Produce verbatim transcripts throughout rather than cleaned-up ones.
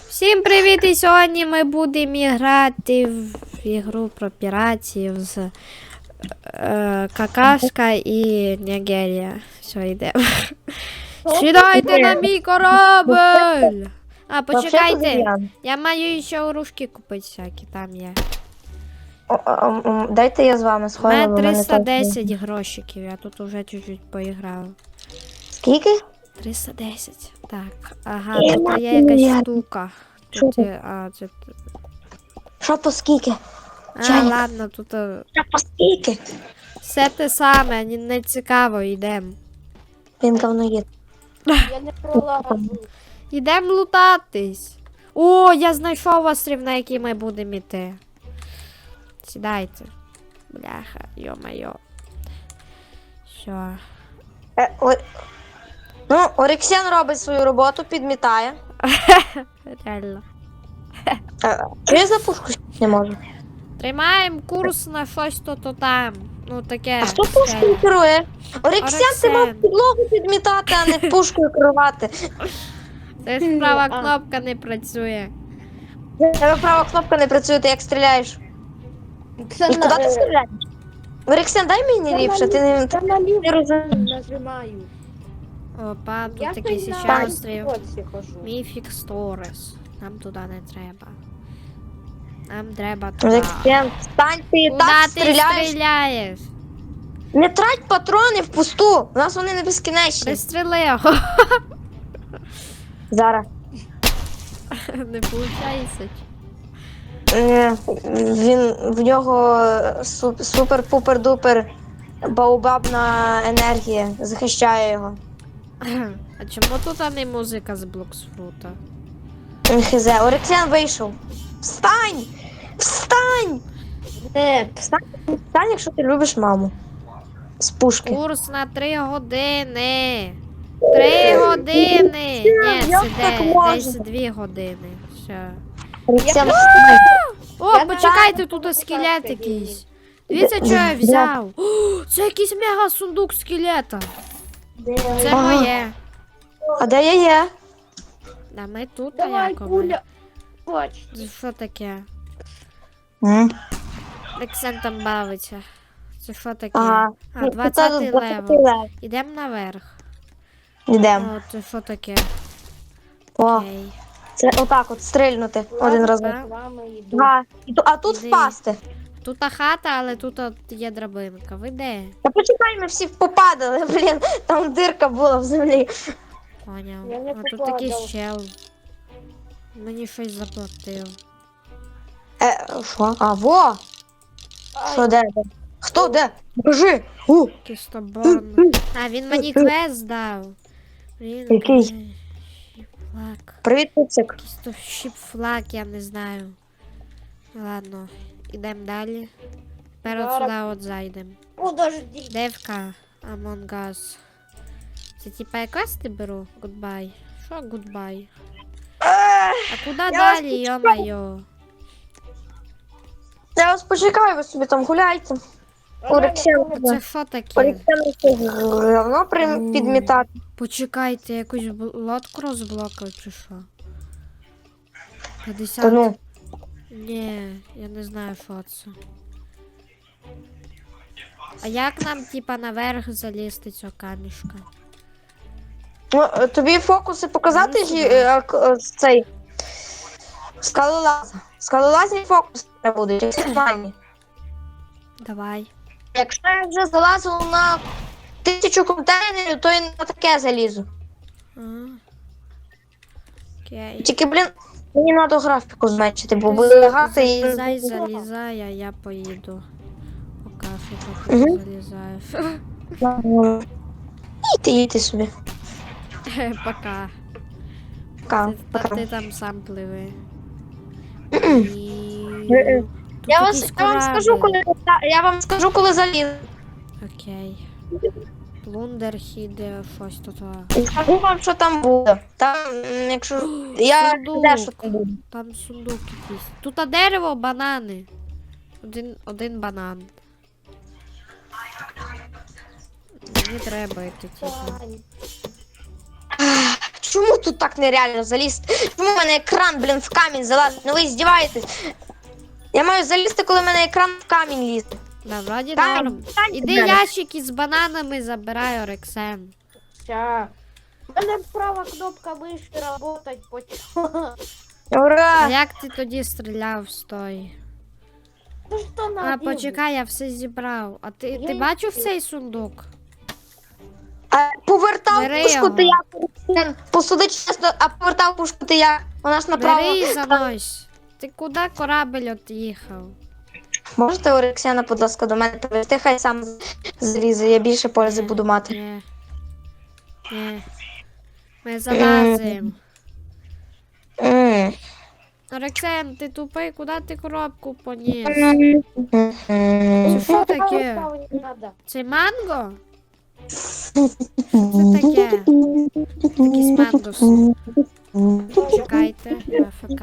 Всім привіт! І сьогодні ми будемо грати в ігру про піратів з е, Какашка і Нігерія. Все, йдемо. Сідайте на мій корабель! А, почекайте, я маю ще оружки купити всякі, там є. О, о, о, Дайте я з вами У схожу. мене триста десять грошиків, я тут уже чуть-чуть поіграла. Скільки? триста десять. Так, ага, Я тут є маю якась я- штука. Що Тут це? є, а, це... Що по скільки? А, Чайник. ладно, тут... е, Що по скільки? Все те саме, ні- не цікаво, йдемо. Він говно є. Я не пролажу. Йдемо лутатись. О, я знайшов острів, на який ми будемо йти. Сідайте. Бляха, йо-майо. Що? Е, о... Ну, Орексен робить свою роботу, підмітає. Реально. Е, Чого я за пушку не можу? Тримаємо курс на щось то-то там. Ну таке. А хто пушкою керує? Орексен, ти мав Орексен. підлогу підмітати, а не пушкою керувати. Це ж права А. кнопка не працює. Тебе права кнопка не працює, ти як стріляєш. Це І куди ти стріляєш? Орексен, дай мені ліпше, ти не... Та наліво не розумієш. нажимаю. Опа, тут Я такий ще ще на острів. боці хожу. Міфікс Торес. Нам туди не треба. Нам треба туди. Орексен, встань, ти і Куда так ти стріляєш. стріляєш? Не трать патрони впусту, у нас вони не безкінечні. Пристріли його. Зараз. Не виходить. Е, Він в нього су- супер-пупер-дупер баобабна енергія захищає його. А чому тут а не музика з Блоксфрута? Хз, Орексен вийшов. Встань! Встань! Не, Встань, встань, якщо ти любиш маму. З пушки. Курс на три години. Три години. Ні, як це так де, можна? десь дві години. Все. Орексен, Я- встань. О, Я почекайте, знаю, тут що скелет це якийсь. Дивіться, що я взяв. О, це якийсь мега сундук скелета. Це Ага. моє. А де я є? Да ми тут, а давай, як ми? куля. Хоч. Це що таке? М. Лексен там бавиться. Це що таке? Ага. А, двадцятий левел. левел. Ідемо наверх. Йдемо. О, це що таке? О, Окей. це отак от стрельнути один раз. так. З вами йду. Ага. І ту- А тут Іди. впасти. Тут та хата, але тут от є драбинка. Ви де? Та почекай, ми всі попадали, блін, там дирка була в землі. Поняв. Я не А тут попадав. такий щел. Мені щось заплатив. Е, що? А, во! Ай, Що, де? де? Хто, де? Покажи! У! Кістоборн. А, він мені квест дав. Він Який? Флаг. Привіт, Пупсик. Кістощіп флаг, я не знаю. Ладно, ідемо далі. Тепер от Зараз. сюди от зайдемо. Подожди. Девка, Among Us. Це типа я квести беру? Goodbye. Що goodbye? А куди вас далі, йо-майо? Я вас почекаю, ви собі там гуляйте. Орексен, Це що таке? Орексен говно при- У. підмітати. Почекайте, якусь бл- лодку розблокав чи що? п'ятдесят. Та ну, Ні, я не знаю, що це. А як нам, типа, наверх залізти цього камішка? ну, е, тобі фокуси показати Ну, ж, сюди. е, к- е, цей скалолаз. Скалолазні фокуси не будуть, як нормальні. Давай. Якщо я вже залазила на тисячу контейнерів, то і на таке залізу. А. Окей. Тільки, блін, мені треба графіку зменшити, бо Ти буде за- лагати і... Залізай, залізай, а я поїду. Поки що поки Мгм. залізаєш. Їдьте, їдьте собі. Пока. Пока, Ти, та, пока. ти там сам пливи. Мгм. І... Е-е. Тут Я, вас, якийсь я вам скажу, корабль. коли я вам скажу, коли заліз. Окей. Плундерхід, щось тут. І скажу вам, що там буде. Там, м, якщо я Сундук. знаю, що там буде. Там сундук якийсь. Тут а дерево, банани. Один, один банан. Мені треба йти, типу. Ай. чому тут так нереально залізти? Чому в мене екран, блін, в камінь залазить? Ну ви здіваєтесь. Я маю залізти, коли в мене екран в камінь лізе. Да, вроді Камінь, норм. камінь Іди треба. ящики з бананами забирай, Орексен. Ща. У мене права кнопка миші работать почала. А Ура! як ти тоді стріляв з той? Ну що на А, почекай, я все зібрав. А ти, Я ти й- бачив цей сундук? А повертав Бери пушку його. ти як? Посуди чесно, а повертав пушку ти як? Вона ж направо. Бери і занось. Ти куди корабль от'їхав? Можете Орексіана, будь ласка, до мене привезти, хай сам злізе, я більше пользи буду мати. Ні. Ні. Ми залазимо. М. Орексен, ти тупий, куди ти коробку поніс? М. Це що таке? Ставити не надо. Це манго? Що це таке? Якісь мангуси. Чекайте, АФК.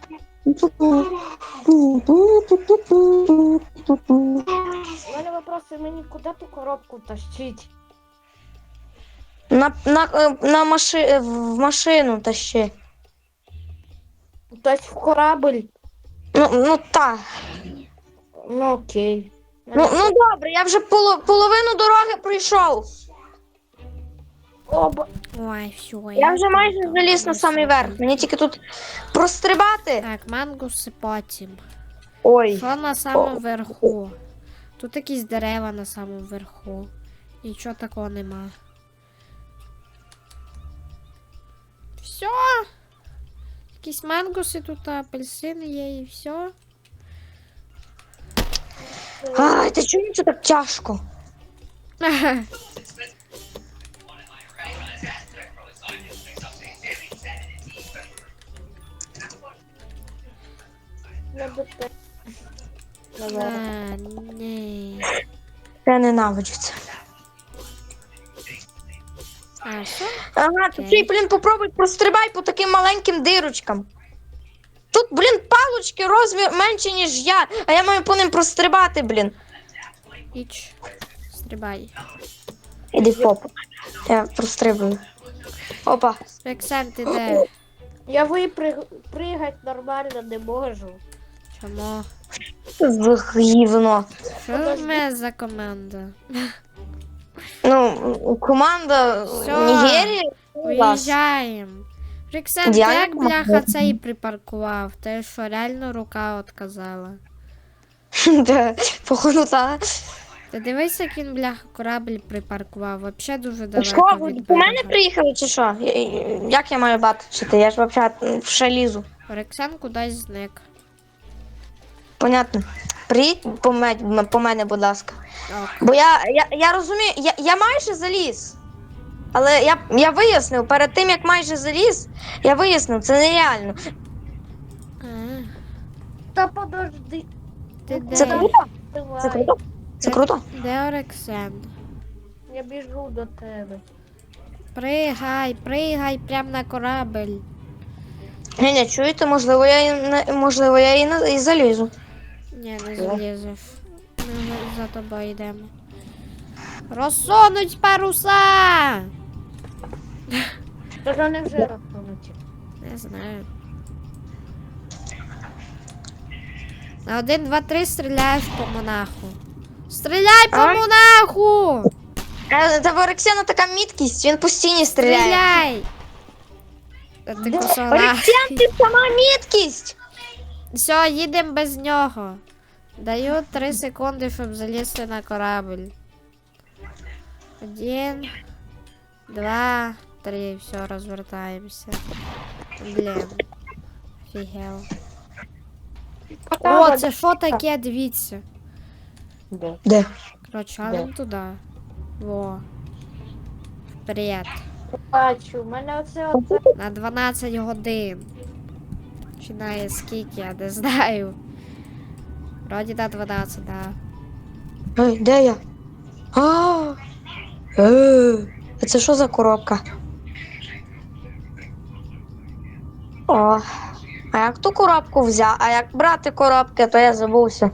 У мене вопроси, мені куди ту коробку тащить? На, на, е, на маши, в машину тащи. Тобто в корабль? Ну, ну так. Ну окей. Ну, ну добре, я вже поло, половину дороги пройшов. Оба. Ой, все. Я вже майже заліз на самий верх. Мені тільки тут прострибати. Так, мангуси потім. Ой. Що на самому верху? Тут якісь дерева на самому верху. Нічого такого нема. Все. Якісь мангуси тут, апельсини є і все. Ай, ти чому це так тяжко? Я би те- А, ні. Я ненавиджу це. А, що? Ага, ти Окей. блін, попробуй прострибай по таким маленьким дирочкам. Тут, блін, палочки розмір менше, ніж я, а я маю по ним прострибати, блін. Іч. Стрибай. Іди в попу. Я прострибую. Опа. Рексен, ти де? Я випригати нормально не можу. Чому? За гівно. Що в мене за команда? Ну, команда Всё. Нігерії. у вас. Виїжджаємо. Рексен, ти Я як не бляха можу. цей припаркував? Ти що, реально рука отказала? Де, походу, так. Ти дивись, як він бляха корабль припаркував. Вообще дуже далеко Що, ви від до мене берега. приїхали чи що? Я- Як я маю бачити? Я ж взагалі в шалізу. Рексен кудись зник. Понятно. Приїдь по, ме- по мене, будь ласка. Ок. Бо я, я, я розумію, я, я майже заліз. Але я, я вияснив, перед тим як майже заліз, я вияснив, це нереально. А, Та подожди. ти Це де? круто? Давай. Це круто? Це круто? Де Орексен? Я біжу до тебе. Пригай, пригай прям на корабль. Ні, ні, чуєте, можливо, я і не- можливо, я і, на- і залізу. Ні, не залізеш. Ми за тобою йдемо. Розсунуть паруса! Та ж вони вже розсунуті. Не знаю. На один, два, три стріляєш по монаху. Стріляй по Ай. монаху! Е, Та в Орексіана така міткість, він постійно стріляє. Стріляй! Та ти косола. Орексіан, ти сама міткість! Все, їдемо без нього. Даю три секунди, щоб залізти на корабль. Один, два, три. Все, розвертаємося. Блін. Офігел. О, це що таке? Дивіться. Де? Коротше, галим туди. Во. Вперед. Бачу, у мене оце оце. На дванадцять годин. Починає скільки, я не знаю. Вроді на дванадцять, да. Ой, де я? А, е, а це що за коробка? О, а як ту коробку взяв? А як брати коробки, то я забувся.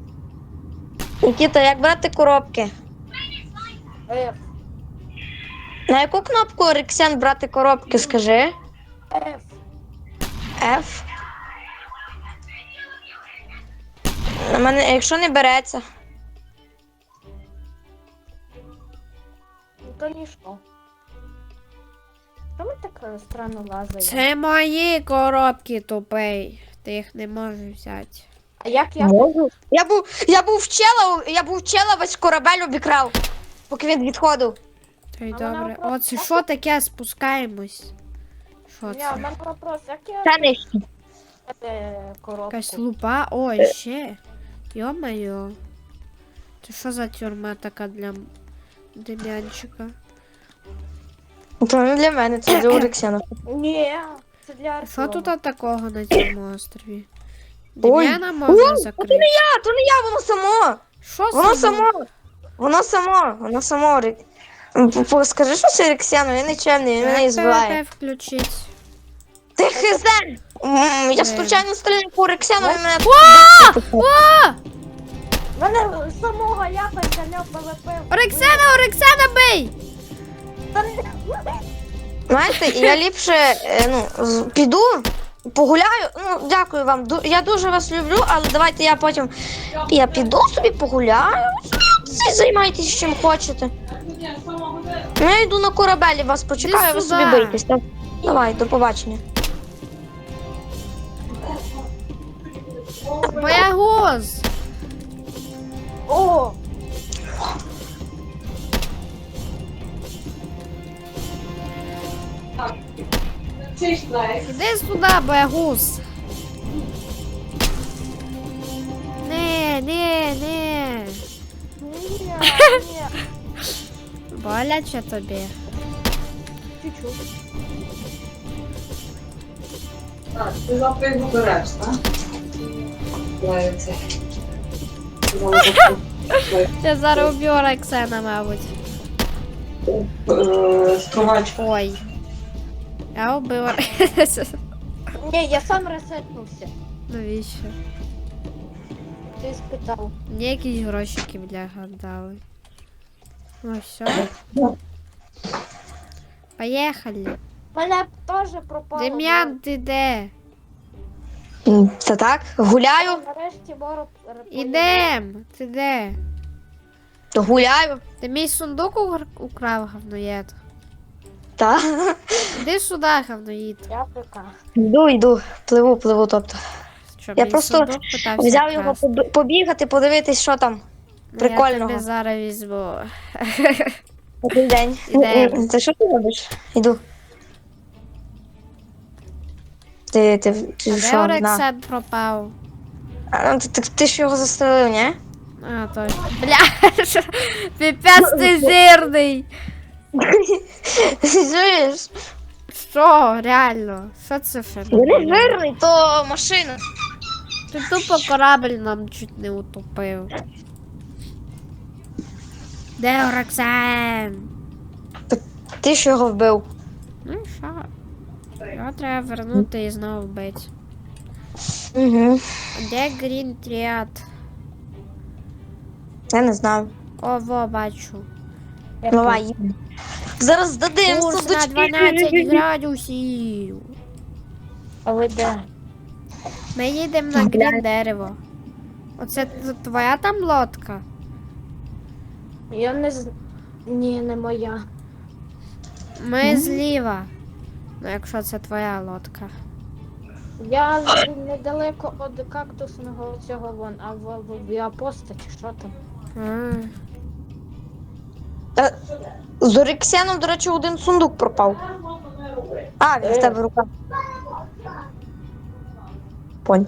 Нікіта, як брати коробки? F. На яку кнопку Рексен брати коробки, скажи? F. F. На мене, якщо не береться. Ну то ніщо. Що ми так е, странно лазаємо? Це мої коробки, тупий. Ти їх не можеш взяти. А як я? Можу. Я був, я був вчела, я був вчела, весь корабель обікрав, поки він відходив. Та й А вона добре. просто- О, це що таке? Спускаємось. Що Ні, це? в мене вопрос, як я Та нижче. е, коробку? Якась лупа? О, і ще. Йо-моє. Це що за тюрма така для м- Дем'янчика? То не для мене, це для Рексена. Ні, це для Що Артема. тут такого на цьому острові? Ой. Дем'яна можна Ой, закрити. А, то не я, воно само. Що Воно само? само. Воно само. Воно само. Рек- П- п- Скажи, що це Рексену, він нечемний, він мене Як збиває. ПВП включить? Ти хизен! М, Я случайно стріляю по Рексену, він мене... О! В мене самого якось заняв ПВП. Орексена, Орексена, бий! Та не- Знаєте, я ліпше е, ну, з- піду, погуляю. Ну, дякую вам. ду- Я дуже вас люблю, але давайте я потім. Я піду собі погуляю. Всі займайтесь чим хочете. Ну, я йду на корабелі, вас почекаю, ви сюди. собі бийтесь. Так? Давай, до побачення. Боягуз! О! Іди сюди, боягуз! Не, не, не. Ні, ні. Боляче тобі. Чуть-чуть. Так, ти завтра його береш, так? Давай це. Я зараз уб'ю Орексена, мабуть. Стровачка. Ой. Я убив Орексена. Ні, я сам ресетнувся. Навіщо? Ти спитав. Мені якісь грошики, бляха, дали. Ну все. Поїхали. Мене теж пропало. Дем'ян, ти де? М, Це так? Гуляю, Нарешті Боро Ідем. Ти де? то гуляю. Ти мій сундук угр- украв, говноєд. Та. Іди сюди, говноїд. Я ПК. Йду, йду, пливу, пливу, тобто. Що, Я мій просто сундук питався Взяв його красти? поб- побігати, подивитись, що там. Ну, Я прикольного. тобі зараз візьму. Добрий день. Ідемо. Це що ти робиш? Іду. Ти, ти, ти А де що? На. Орексен пропав? А, ну, ти, ти, ти ж його застрелив, ні? А, точно. Бля, піпець ти жирний. Чуєш? Що, реально? Що це Він феномен? не жирний, то машина. Ти тупо корабль нам чуть не утопив. Де Орексен? Ти ж його вбив. Ну і що? Його треба вернути і знову вбити. Угу. А де Грін Тріад? Я не знаю. О, во, бачу. Давай, їдемо. Зараз здадим Курс на сундучки. дванадцять градусів. А ви де? Ми їдемо на грін дерево. Оце т- твоя там лодка? Я не з... Ні, не моя. Ми зліва. Ну, якщо це твоя лодка. Я з- недалеко від кактусного цього вон, а в, в, в апостаті, що там? А, Та, З Орексеном, до речі, один сундук пропав. А, він в тебе в руках. Понь.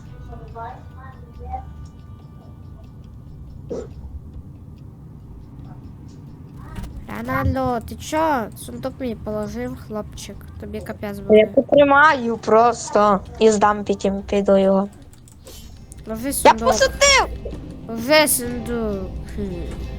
Рональдо, ти чо? Сундук мені положив, хлопчик. Тобі капець Я буде. потримаю просто і здам потім, піду його. Ложи Я сундук. посадив! Ложи сундук. Хм.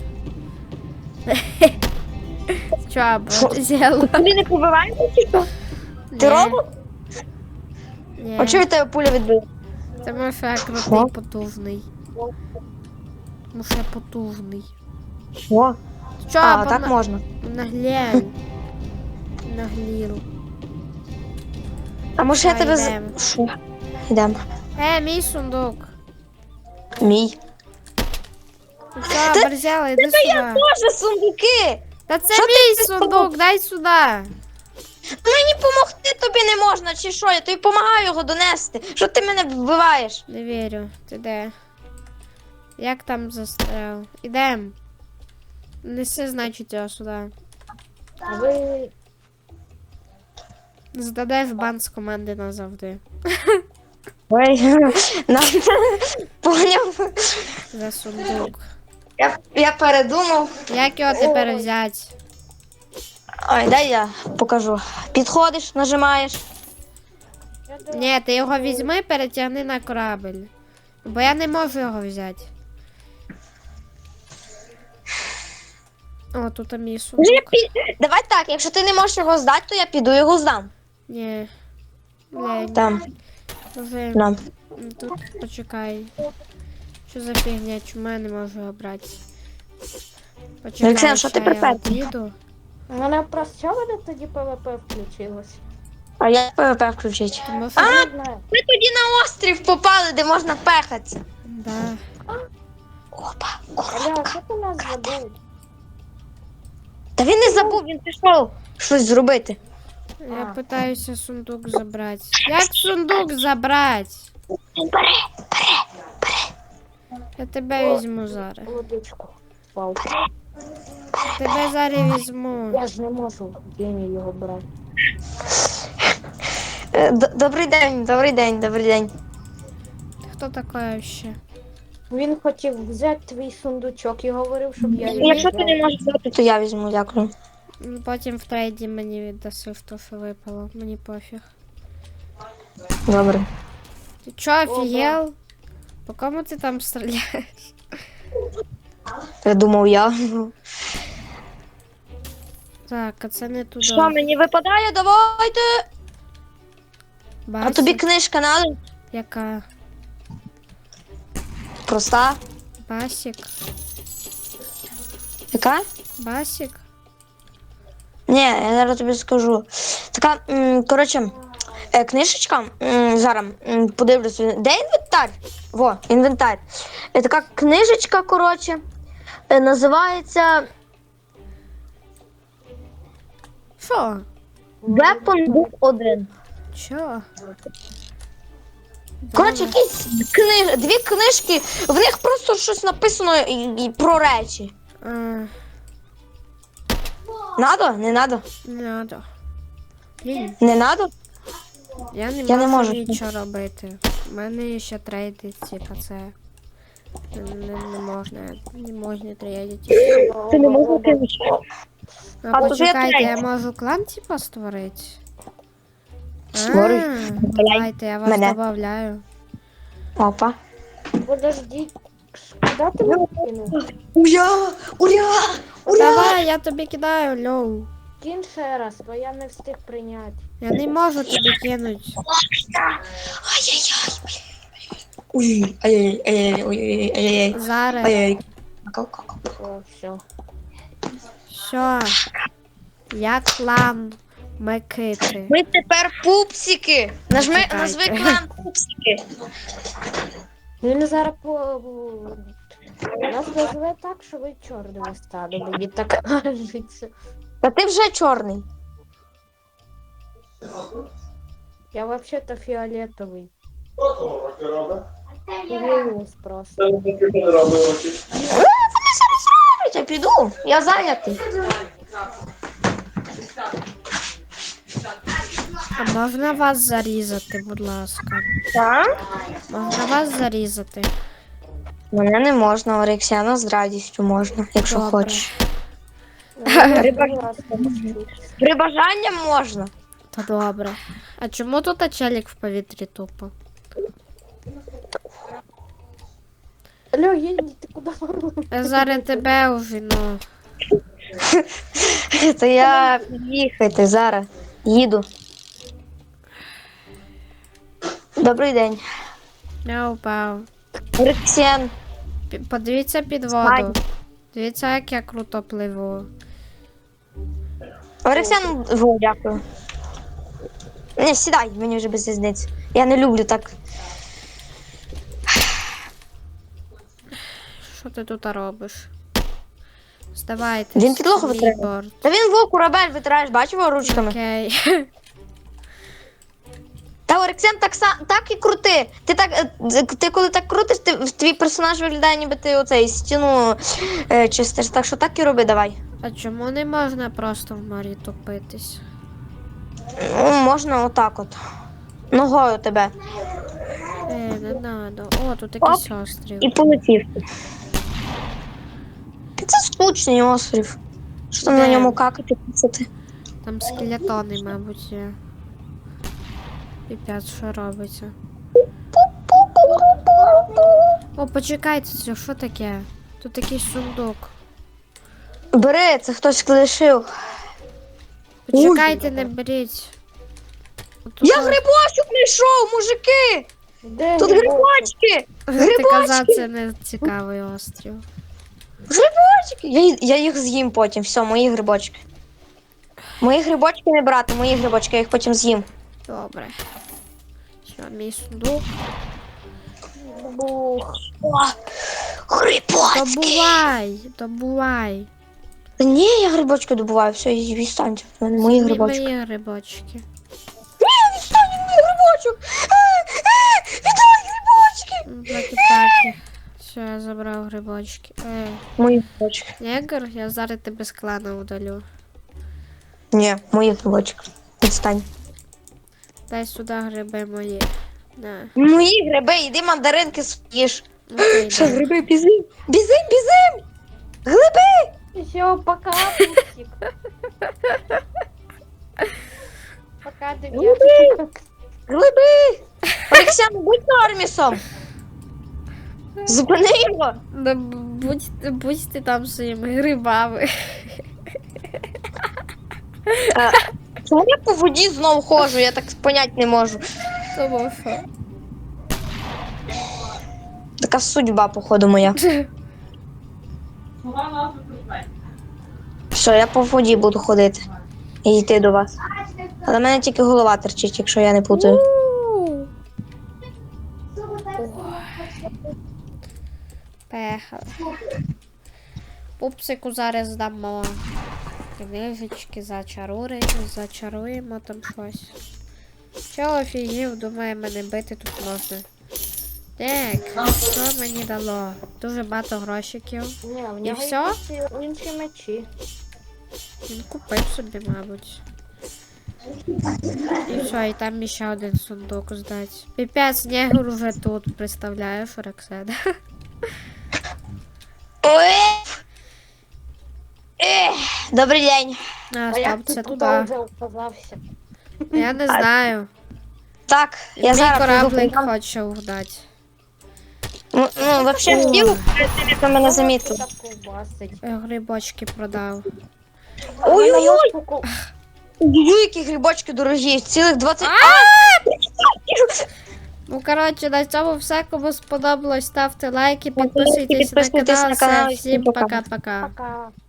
Чо, або ти зробила? Тобі не побиваєте чи що? Ти робот? Ні. А чого від тебе пуля відбила? Тому що я крутий, Що? потужний. Тому що я потужний. Що? Ти чо, А, бо так на- можна. наглєв. Наглів. А може я Та, тебе з... йдемо. Шо? Йдемо. Е, мій сундук. Мій. Ну що, Борзяла, іди сюди. Боже, сундуки! Та це Що ти мій придумав? сундук, дай сюди. Мені допомогти тобі не можна, чи що? Я тобі допомагаю його донести. Що ти мене вбиваєш? Не вірю, ти де? Як там застряв? Ідем. Неси, значить, його сюди. А ви Здадай в бан з команди назавжди. Ой, нам поняв. За сундук. Я, я передумав. Як його тепер взяти? Ой, дай я покажу. Підходиш, нажимаєш. я до Ні, ти його візьми, перетягни на корабель. Бо я не можу його взяти. О, тут мій Вже сундук. пі... Давай так, якщо ти не можеш його здати, то я піду його здам. Ні. Блядь, Там, вже нам. тут почекай. Що за фігня? Чому я не можу його брати? Почекай, Олексій, що ти ще я припер? від'їду. У мене просто що мене тоді ПВП включилось? А я ПВП включить. Тому що... Я не знаю. Ми тоді на острів попали, де можна пехатися. Да. Опа, Аля, що ти нас забув? Та він не забув, він пішов щось зробити. Я А. питаюся сундук забрати. Як сундук забрати? Бери, бери. Я тебе візьму зараз. Водичку. Вау. Тебе зараз візьму. Я ж не можу геній його брати. Е, д- Добрий день, добрий день, добрий день. Хто така ще? Він хотів взяти твій сундучок і говорив, щоб я його Якщо ти не взяв. можеш взяти, то я візьму, дякую. Ну, потім в трейді мені віддаси в то, що випало. Мені пофіг. Добре. Ти чо, офігел? По кому ти там стріляєш? Я думав я. Так, а це не туди. Що мені випадає? Давайте. А Басік. тобі книжка надо? Яка? Проста. Басік? Яка? Басік? Ні, я зараз тобі скажу. Така, м, коротше, е, книжечка, м, зараз м, подивлюся. Де інвентар? Во, інвентар. Е, така книжечка, коротше, е, називається Що? Weapon Book один. Чо? Коротше, якісь книж... дві книжки, в них просто щось написано і, і про речі. А, Надо? Не надо? не надо. Блін, Не надо? я не Я не можу можу. нічого робити. У мене ще трейди, типа це. Не, не, не можна, не можна трейдити. Ти не можеш кинути. А, А, то почекайте, я я можу клан типа створити? Створюй. А, Добавляй давайте, я вас мене. добавляю. Опа. Подожди, куди ти мене кинув? Ура! Ура! Ура! Давай, я тобі кидаю, льоу. Кінь ще раз, бо я не встиг прийняти. Я не можу тобі кинути. Ай-яй-яй. Ой, ай-яй, ай-яй, ой, ай-яй. Зараз. Ай-яй. О, все. Що? Я клан Микити. Ми тепер пупсики. Нажми, Чекайте. назви клан пупсики. Він зараз по... Нас назве так, що ви чорними стали, мені так кажеться. Та ти вже чорний. Я взагалі-то фіолетовий. Виявилось просто. Е, Вони зараз роблять, я піду. Я зайнятий. А можна вас зарізати, будь ласка? Так? Можна вас зарізати? Мене не можна, Орексіана з радістю можна, якщо Добре. хочеш. Риба. При бажанні можна. Та добре. А чому тут челік в повітрі тупо? Алло, Єнді, ти куди? Я зараз тебе увіну. То я під'їхати зараз. Їду. Добрий день. Я упав. Орексіан. Пі- Подивіться під Слайд. воду. Дивіться, як я круто пливу. Орексян, во, дякую. Не, сідай, мені вже без різниці. Я не люблю так. Що ти тут робиш? Здавайте. Він підлогу витирає. борт. Та він во корабель витираєш, бачив його ручками? Окей. Та Орексян так са- так і крути. Ти так, е, ти коли так крутиш, ти, твій персонаж виглядає, ніби ти оцей стіну е, чистиш. Так що так і роби, давай. А чому не можна просто в морі топитись? Ну, можна отак от. Ногою тебе. Е, не надо. О, тут якийсь острів. І полетів. Це скучний острів. Що там на Де? ньому какати писати? Там скелетони, мабуть, є. Піпець, що робиться? О, почекайте, це що таке? Тут якийсь сундук. Бери, це хтось лишив. Почекайте, не беріть. Тут Я тут- грибочок знайшов, мужики! Де Тут грибочок? грибочки! Ти казав, Грибочки! це не цікавий острів. Грибочки! Я, ї- я їх з'їм потім, все, мої грибочки. Мої грибочки не брати, мої грибочки, я їх потім з'їм. Добре. Що, мій сундук? Бух. О, грибочки! Добувай! Добувай! Та ні, я грибочки добуваю, все, і відстаньте. В мене мої Це грибочки. мої грибочки. Ні, відстань від моїх грибочок! Е, е, Віддай грибочки! Ну, Такі-такі. Все, я забрав грибочки. Е, Мої грибочки. негр, я зараз тебе з клана удалю. Ні, мої грибочки. Відстань. Дай сюди гриби мої. На. Мої гриби, іди мандаринки з'їж. Окей, Що, да. гриби, бізим? Бізим, бізим! Глиби! Все, пока, пупсик. Пока, дев'ятка. Глиби! Олексій, будь Нормісом! Зупини його! Да будь, будь ти там своїми грибами. Чому я по воді знову ходжу? Я так понять не можу. Тому що. Така судьба, походу, моя. Вона нас викликає. Все, я по воді буду ходити. І йти до вас. Але в мене тільки голова терчить, якщо я не путаю. У. Поехали. Пупсику зараз дамо книжечки, зачаруємо, зачаруємо там щось. Чого офігів, думає, мене бити тут можна. Так, що мені дало? Дуже багато грошиків. Ні, в І нього всьо? якісь інші мечі. Він купив собі, мабуть. І все, і там ще один сундук здати. Піпець, негр уже тут, представляєш, Роксана? Ой! Ех, добрий день. А, А стоп, як це ти тут туди. вже оказався? Я не знаю. Так, я Мій зараз кораблик прийду. хоче угнати. Ну, ну, вообще О. хотів, перед тим, як ви мене замітили. Так ковбасить. Я грибочки продав. Ой-ой-ой! Ой! Ой, які грибочки дорогі, цілих двадцять... Ну, коротше, на цьому все. Кому сподобалось, ставте лайки, підписуйтесь на підписуйтесь канал. на канал, Все, і всім всім пока. пока-пока. Пока.